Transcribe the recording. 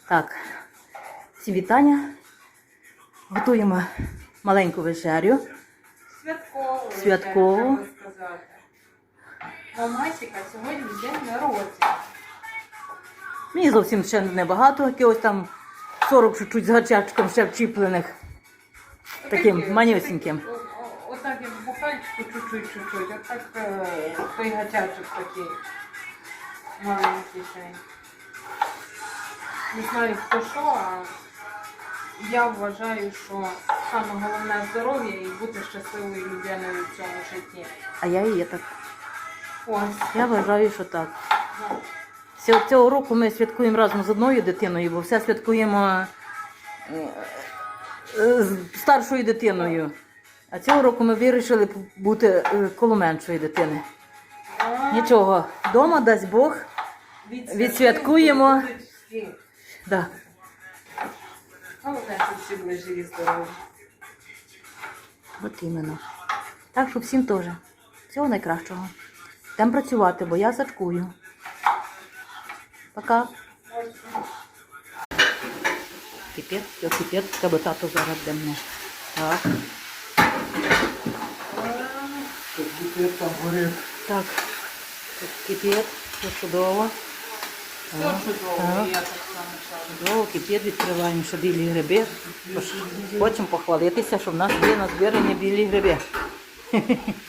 Так, всі вітання. Готуємо маленьку вечерю. Святкову. Треба сказати. Мамасіка сьогодні день народження. Мені зовсім ще небагато, якогось там 40 чуть-чуть з гачачком ще вчіплених. Таким манюсіньким. Отак як бухальчику чуть-чуть. Отак той гачачок такий маленький ще. Не знаю хто що, а я вважаю, що саме головне здоров'я і бути щасливою людиною в цьому житті. А я і є так. Ось. Я вважаю, що так. Да. Цього року ми святкуємо разом з одною дитиною, бо все святкуємо з старшою дитиною. А цього року ми вирішили бути коло меншої дитини. Нічого, вдома, дасть Бог, відсвяткуємо. Да. Головне, щоб всі були живі, здорові. От іменно. Так що всім теж. Всього найкращого. Йдемо працювати, бо я сачкую. Пока. Кипить, тебе тато зараз де мене. Так. Там горить. Так. Тут кипить, все чудово. Все чудово, і я так само кажу. Чудово, кипить, відкриваємо ще білі гриби. Хочемо похвалитися, що в нас є назбирані білі гриби.